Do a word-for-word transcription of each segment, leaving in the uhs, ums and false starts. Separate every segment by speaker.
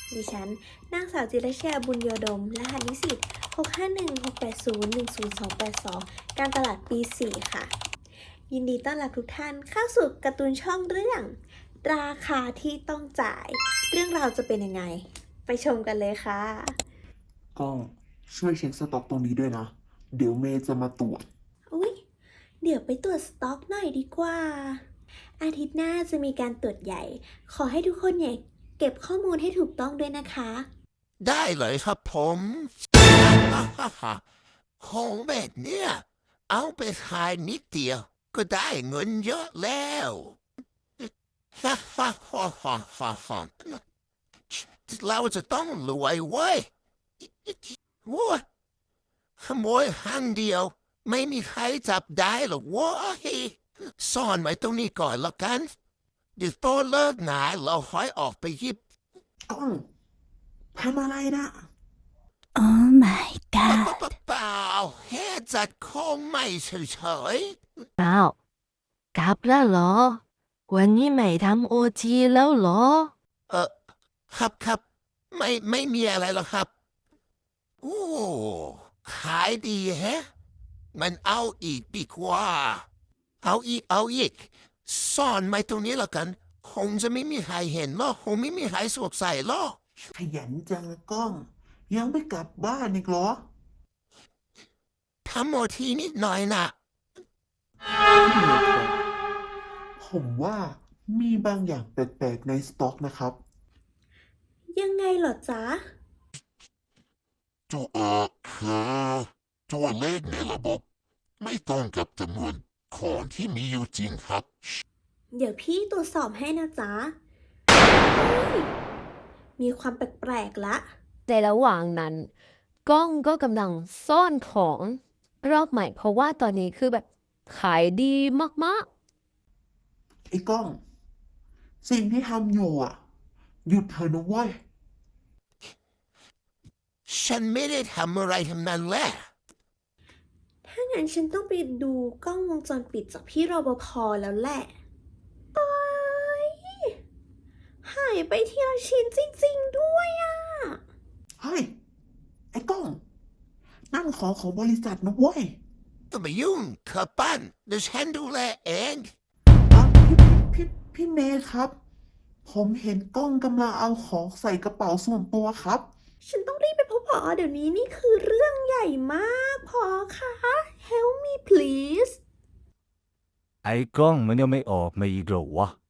Speaker 1: ดิฉันนางสาวจิรชยาบุญโยดมรหัสนิสิตหก ห้า หนึ่ง หก แปด ศูนย์ หนึ่ง ศูนย์ สอง แปด สอง การตลาดปี สี่ ค่ะ ยินดีต้อนรับทุกท่านเข้าสู่การ์ตูนช่องเรื่องราคาที่ต้องจ่าย เรื่องราวจะเป็นยังไง ไปชมกันเลยค่ะ
Speaker 2: ก็ช่วยเช็คสต็อกตรงนี้ด้วยนะ เดี๋ยวเมย์จะมาตรวจ
Speaker 1: อุ๊ย เดี๋ยวไปตรวจสต็อกหน่อยดีกว่า อาทิตย์หน้าจะมีการตรวจใหญ่ ขอให้ทุกคนเนี่ยเก็บข้อมูลให้ถูกต้องด้วยนะคะ
Speaker 3: ได้เลยครับผมของแบบเนี้ยเอาไปขายนิดเดียวก็ได้เงินเยอะแล้วเราจะต้องรวยเว้ยว้าขโมยห้างเดียวไม่มีใครจับได้หรอกเว้ยซ่อนไว้ตรงนี้ก่อนแล้วกันเดี๋ยวโตเลิกงานเราค่อยออกไปหยิบ
Speaker 2: กล้องทำอะไรนะ
Speaker 4: Oh my
Speaker 3: เปล่า
Speaker 4: god
Speaker 3: เปล่าแค่จัดของใหม่เฉย
Speaker 4: อ้าวกลับแล้วเหรอ วันนี้ไม่ทำโอทีแล้วเหรอ
Speaker 3: ๆเออครับครับไม่ไม่มีอะไรหรอกครับโอ้ขายดีแฮะมันเอาอีกดีกว่าเอาอีกเอาอีกซ่อนไว้ตรงนี้แล้วกัน คงจะไม่มีใครเห็นหรอกคงไม่มีใครสวมใส่หรอก
Speaker 2: ขยันจังกล้อง ยังไม่กลับบ้านอีกเหรอ
Speaker 3: ทำโมทีนิดหน่อยนะ
Speaker 2: พี่เมย์ครับผมว่ามีบางอย่างแปลกๆในสต็อกนะครับ
Speaker 1: ยังไงเหรอจ๊ะ
Speaker 5: ตัวเออคือตัวเลขในระบบ ไม่ตรงกับจำนวนของที่มีอยู่จริงครับ
Speaker 1: เดี๋ยวพี่ตรวจสอบให้นะจ๊ะเฮ้ยมีความแปลกๆละ
Speaker 4: ในระหว่างนั้น กล้องก็กำลังซ่อนของรอบใหม่ เพราะว่าตอนนี้คือแบบขายดีมาก
Speaker 2: ไอ้กล้อง สิ่งที่ทำอยู่อ่ะ หยุดเถอะนะเว้ย
Speaker 3: ฉันไม่ได้ทำอะไรทั้งนั้นแหละ
Speaker 1: ถ้างั้นฉันต้องไปดูกล้องวงจรปิดจากพี่รปภแล้วแหละโอ๊ยหายไปทีละชิ้นจริงๆด้วยอ่ะ
Speaker 2: เฮ้ย ไอ้กล้อง นั่นของของบริษัทนะเว้ย
Speaker 3: ก็ไม่ยุ่งเธอปั้นเดี๋ยวฉันดูแลเอง
Speaker 2: อ่ะพี่พี่พี่พี่เมย์ครับ ผมเห็นกล้องกำลังเอาของใส่กระเป๋าส่วนตัวครับ
Speaker 1: ฉันต้องรีบไปพบผอเดี๋ยวนี้นี่คือเรื่องใหญ่มากพอคะ Help me please
Speaker 6: ไอ้กล้องมันยังไม่ออกมาอีกเหรอวะ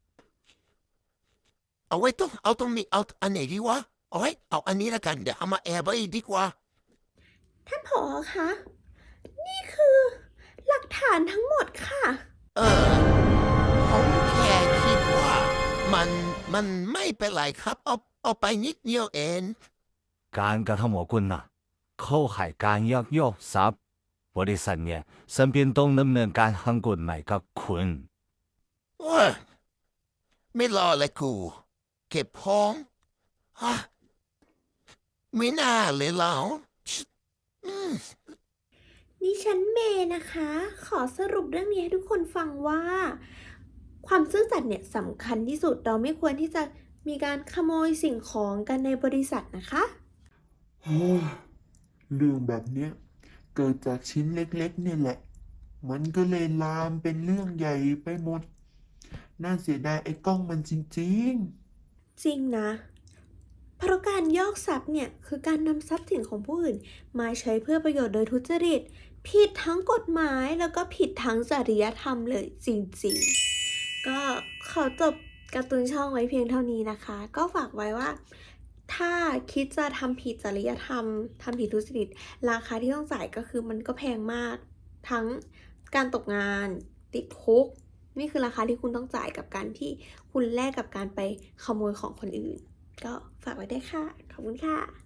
Speaker 3: เอาไว้ตรงเอาตรงนี้เอาอันไหนดีวะเอาไว้เอาอันนี้ละกันเดี๋ยวเอามาแอบไว้ดีกว่า
Speaker 1: ท่านผอคะ นี่คือหลักฐานทั้งหมดค่ะ
Speaker 3: เออผมแค่คิดว่า มันมันไม่เป็นไรครับเอาเอาไปนิดเดียวเอง
Speaker 6: การกระทำของคุณน่ะ เข้าข่ายการยักยอกทรัพย์บริษัทเนี่ย身边ต้องดำเนินการทางกฎหมายกับคุณ
Speaker 3: โอ้ยไม่รอเลยกู เก็บพ้องฮะไม่น่าเลยเราอืม
Speaker 1: ดิฉันเมย์นะคะ ขอสรุปเรื่องนี้ให้ทุกคนฟังว่า ความซื่อสัตย์เนี่ยสำคัญที่สุดเราไม่ควรที่จะมีการขโมยสิ่งของกันในบริษัทนะคะ
Speaker 2: โอ้ยเรื่องแบบเนี้ยเกิดจากชิ้นเล็กๆเนี่ยแหละ มันก็เลยลามเป็นเรื่องใหญ่ไปหมด น่าเสียดายไอ้กล้องมันจริง
Speaker 1: จริงนะ เพราะการยอกทรัพย์เนี่ยคือการนำทรัพย์สินของผู้อื่น มาใช้เพื่อประโยชน์โดยทุจริต ผิดทั้งกฎหมายแล้วก็ผิดทั้งจริยธรรมเลยจริงๆ ก็ขอจบการ์ตูนช่องไว้เพียงเท่านี้นะคะ ก็ฝากไว้ว่า ถ้าคิดจะทำผิดจริยธรรมทำผิดทุจริต ราคาที่ต้องจ่ายก็คือมันก็แพงมาก ทั้งการตกงานติดคุก นี่คือราคาที่คุณต้องจ่ายกับการที่คุณแลกกับการไปขโมยของคนอื่น ก็ฝากไว้ได้วยค่ะ ขอบคุณค่ะ